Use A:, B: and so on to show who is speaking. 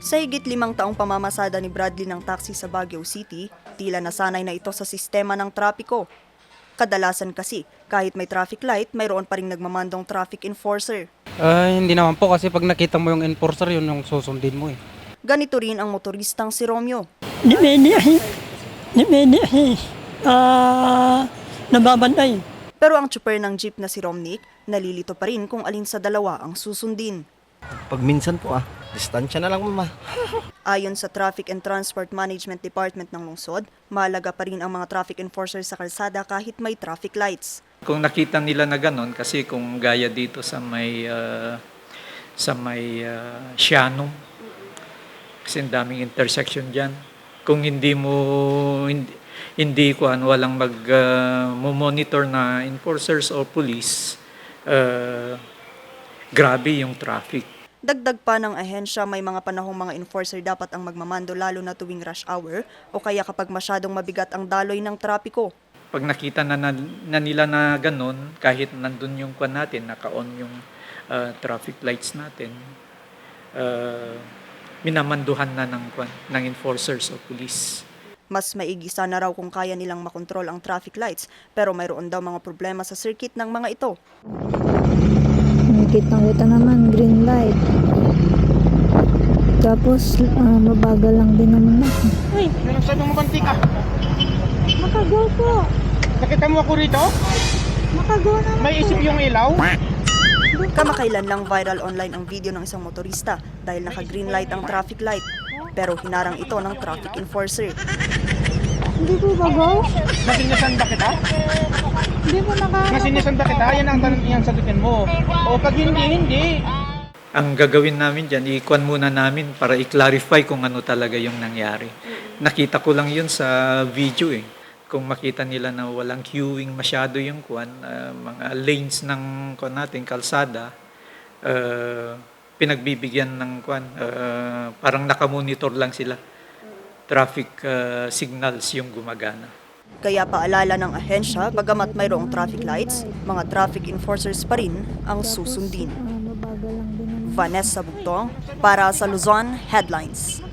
A: Sa higit 5 taong pamamasada ni Bradley ng taxi sa Baguio City, tila nasanay na ito sa sistema ng trapiko. Kadalasan kasi, kahit may traffic light, mayroon pa ring nagmamandong traffic enforcer.
B: Hindi naman po kasi pag nakita mo yung enforcer, yun yung susundin mo eh.
A: Ganito rin ang motoristang si Romeo.
C: Nababantay.
A: Pero ang tsuper ng jeep na si Romnick, nalilito pa rin kung alin sa dalawa ang susundin.
D: Pag minsan po distansya na lang mama.
A: Ayon sa Traffic and Transport Management Department ng lungsod, mahalaga pa rin ang mga traffic enforcer sa kalsada kahit may traffic lights.
E: Kung nakita nila na ganon, kasi kung gaya dito sa may Siano, kasi ang daming intersection dyan. Kung walang mag-monitor na enforcers o police, grabe yung traffic.
A: Dagdag pa ng ahensya, may mga panahong mga enforcer dapat ang magmamando lalo na tuwing rush hour o kaya kapag masyadong mabigat ang daloy ng trapiko.
E: Pag nakita na nila na ganon, kahit nandun yung kwan natin, naka-on yung traffic lights natin, minamanduhan na ng enforcers o police.
A: Mas maigi sana raw kung kaya nilang makontrol ang traffic lights, pero mayroon daw mga problema sa circuit ng mga ito.
F: Kitang-kita naman, green light. Tapos, mabagal lang din naman ako.
C: Uy, nagsabi mo banti ka.
F: Makagaw po.
C: Nakita mo ako rito?
F: Makagaw naman
C: May isip yung ilaw?
A: Kamakailan lang viral online ang video ng isang motorista dahil naka-green light ang traffic light. Pero hinarang ito ng traffic enforcer.
F: Hindi po bagaw?
C: Nasinisan ba kita?
F: Hindi po
C: Nasinisan ba kita? Yan ang tanong yung sagutin mo. O pag hindi.
E: Ang gagawin namin dyan, i-kwan muna namin para i-clarify kung ano talaga yung nangyari. Nakita ko lang yun sa video eh. Kung makita nila na walang queuing masyado yung kwan, mga lanes ng kwan natin, kalsada, pinagbibigyan ng kwan, parang nakamonitor lang sila. Traffic signals yung gumagana.
A: Kaya paalala ng ahensya, bagamat mayroong traffic lights, mga traffic enforcers pa rin ang susundin.
F: mabagal lang din naman.
A: Vanessa Bugtong para sa Luzon Headlines.